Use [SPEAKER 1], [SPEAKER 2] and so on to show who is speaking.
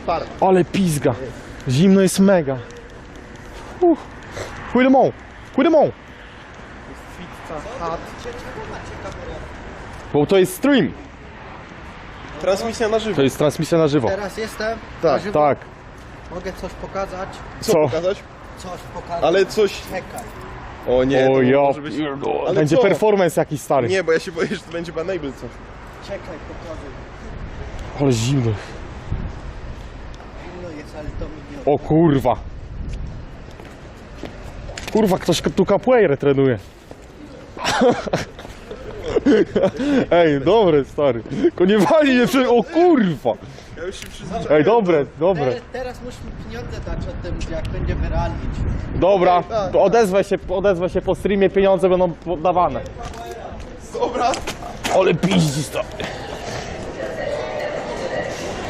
[SPEAKER 1] Par.
[SPEAKER 2] Ale pizga. Zimno jest mega. Chuj de mą. Bo to jest stream.
[SPEAKER 1] Transmisja na żywo.
[SPEAKER 2] To jest transmisja na żywo.
[SPEAKER 3] Teraz jestem.
[SPEAKER 1] Tak,
[SPEAKER 3] na żywo.
[SPEAKER 2] Tak.
[SPEAKER 3] Mogę coś pokazać?
[SPEAKER 1] Co
[SPEAKER 2] Co?
[SPEAKER 1] pokazać?
[SPEAKER 3] Coś pokazać.
[SPEAKER 1] Ale coś...
[SPEAKER 3] Czekaj.
[SPEAKER 1] O nie,
[SPEAKER 2] O
[SPEAKER 1] to
[SPEAKER 2] ja
[SPEAKER 1] może być...
[SPEAKER 2] pierdolę.
[SPEAKER 1] Ale
[SPEAKER 2] Będzie
[SPEAKER 1] co?
[SPEAKER 2] performance jakiś stary.
[SPEAKER 1] Nie, bo ja się boję, że to będzie banable coś.
[SPEAKER 3] Czekaj, pokazuj.
[SPEAKER 2] Ale zimno.
[SPEAKER 3] Zimno jest, ale to mi nie...
[SPEAKER 2] O kurwa. Kurwa, ktoś tu capoeirę trenuje. Ej, dobre stary. Tylko nie wali mnie przy... O kurwa.
[SPEAKER 1] Ja już się przyzwyczaiłem.
[SPEAKER 2] Ej, dobre.
[SPEAKER 3] Teraz musimy pieniądze dać o tym, jak będziemy realić.
[SPEAKER 2] Dobra,
[SPEAKER 1] Tak.
[SPEAKER 2] odezwę się po streamie, pieniądze będą podawane.
[SPEAKER 1] Dobra.
[SPEAKER 2] Ale piździ stary.